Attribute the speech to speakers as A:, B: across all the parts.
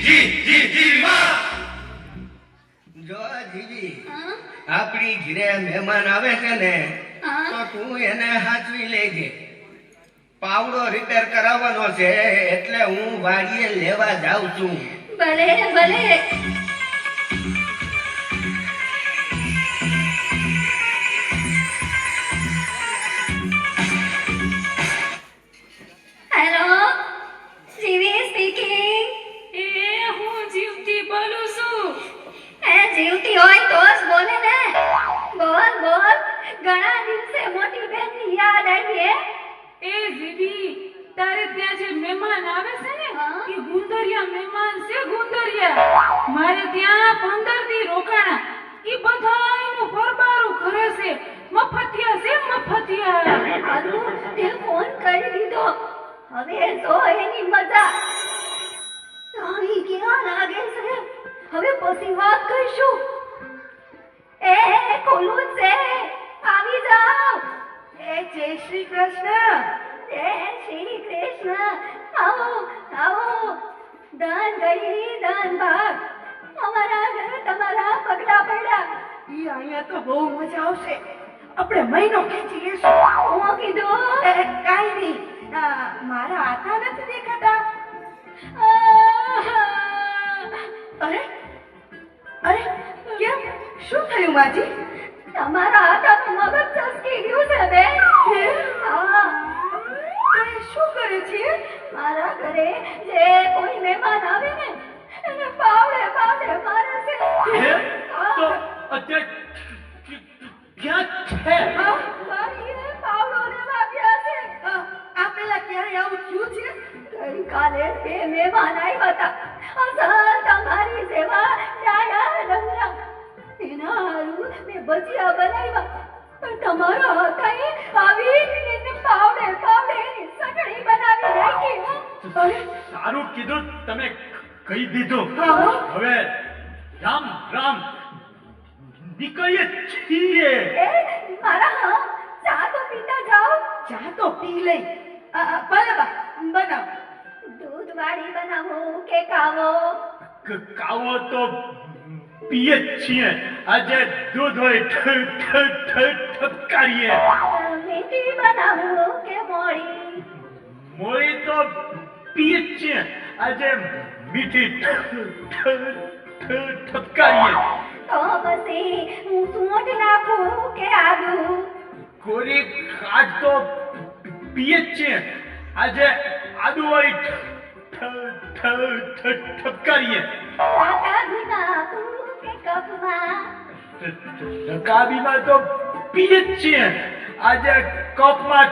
A: જો જીજી આપણી ઘરે મહેમાન આવે છે ને તો તું એને હાચવી લેજે. પાવડો રિપેર કરાવવાનો છે એટલે હું વાડીએ લેવા જાઉં છું.
B: ભલે ભલે. હેલો, જીવી સ્પીકિંગ.
C: હું જીવતી બોલું છું.
B: જીવતી હોય તો જ બોલે ને. બોલ બોલ. ઘણા દિવસે મોટી બેનની યાદ આવી.
C: જીવી, તારે ત્યાં જે મહેમાન આવે છે ને
B: હા?
C: એ ગુંદરિયા મહેમાન છે. ગુંદરિયા મારે ત્યાં 15 દી રોકાણા. એ બધાયનું ફરબારું કરે છે. મફતિયા છે મફતિયા.
B: આલુ તે ફોન કરી દીધો. હવે જો એની મજા. તારી ક્યાં લાગે છે? હવે પછી વાત કરીશું. એ ખોલું છે. આવી જાઓ. જય શ્રી કૃષ્ણ. જય શ્રી કૃષ્ણ. આવો આવો. દાન ગઈ દાન ભાગ. અમારા ઘરે તમારા પગલા પડ્યા.
D: ઈ અહીંયા તો બહુ મજા આવશે. આપણે મહિનો ખેંચી લેશું.
B: હું કીધું
D: કાઈ નહીં. મારા આતા નથી દેખાતા. અરે અરે કેમ? શું થયું માજી?
B: તમારા હાથનું મગજ ચસકી ગયું છે બેન. હા.
D: તો એ શું કરે છે?
B: મારા ઘરે જે કોઈ મહેમાન આવે ને એને પાવડે પાવડે મારે છે.
E: તો અત્યારે ક્યાં છે?
B: મારીને પાવડો લેવા ગયા છે.
D: આ પેલા ક્યારે આવું થયું છે?
B: ગઈકાલે બે મહેમાન આવ્યા હતા. અસલ તમારી સેવા ડાયા ડમરા. એના હારું મેં ભજીયા બનાવ્યા. પણ તમારા હાથે આવી એને પાવડે પાવડે એની ચટણી બનાવી નાખી.
D: અરે
E: સારું કીધું તમે કહી દીધું.
D: હા.
E: હવે રામ રામ નીકળીએ છીએ.
B: એ મારા ચા તો પીતા જાઓ.
D: ચા તો પી લઈ. ભલે બા બનાવ.
B: દૂધ વાળી બનાવું કે કાવો?
E: કાવો તો પીએ જ છીએ. આજે દૂધ હોય ઠપકારીએ.
B: મીઠી બનાવું કે મોળી?
E: મોળી તો પીએ જ છીએ. આજે મીઠી ઠપકારીએ.
B: તો પછી હું સૂંઠ નાખું કે આદુ?
E: કોરી ખાટ તો પીએ જ છીએ. આજે આદુ વાળી ઠપકારીએ.
B: આદુ નાખું કે કપમાં?
E: રકાબીમાં તો પીએ જ છીએ. આજે કપમાં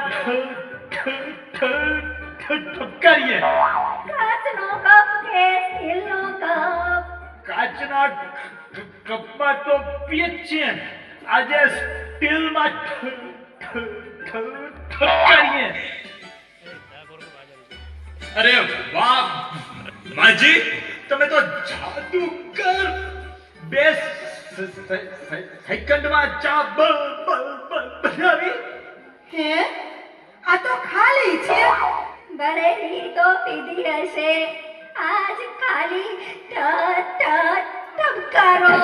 E: ઠપકારીએ.
B: કાચનો કપ કે સ્ટીલનો કપ?
E: કાચના કપમાં તો પીએ જ છીએ. આજે સ્ટીલમાં ઠપકારીએ. અરે વાહ માજી, તમે તો જાદુગર. બે સેકન્ડમાં ચા બનાવી.
D: હે આ તો ખાલી છે.
B: બરેલી તો પીધી હશે. આજ ખાલી ટપકારો.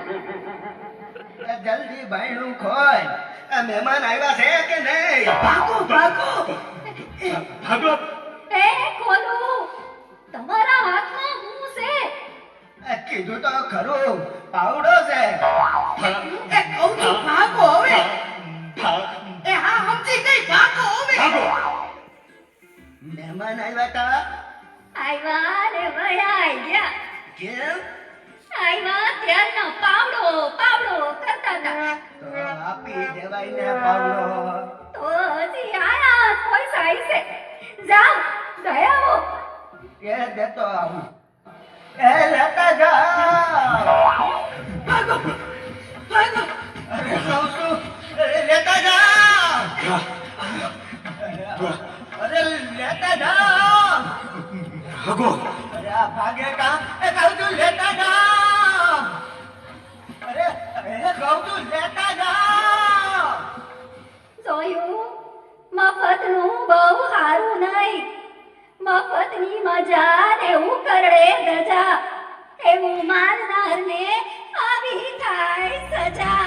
A: જલ્દી બાયણું ખોલ. આ મહેમાન આવ્યા છે કે નહીં?
D: ભાગો ભાગો.
E: ભાગો.
B: એ ખોલું. તમારા હાથમાં શું છે?
A: કીધું તો ખરું, પાવડો છે.
D: એ કહું છું ભાગો હવે. એ હા સમજી ગઈ. ભાગો હવે.
A: મહેમાન આવ્યા તા.
B: આવ્યા ને વયા ગયા.
A: કેમ?
B: આવ્યા ત્યારનો પાવડો પાવડો કરતા હતા.
A: તો આપી દેવાય ને પાવડો.
B: તો હજી આયા જ પૈસા હશે. જાઓ ગયા હો.
A: એ દેતો આવું. એ લેતા જાઓ.
D: ભાગો ભાગો.
A: અરે કહું છું, લેતા જાઓ. અરે લેતા જાઓ.
E: ભાગો.
A: અરે આ ભાગે કા? એ કહું છું લેતા જાઓ. અરે કહું છું લેતા જાઓ.
B: જોયું? મફતનું બહુ સારું નહીં. મફતની મજા ને ઉકરડે ધજા. એવું મારનારને આવી થાય સજા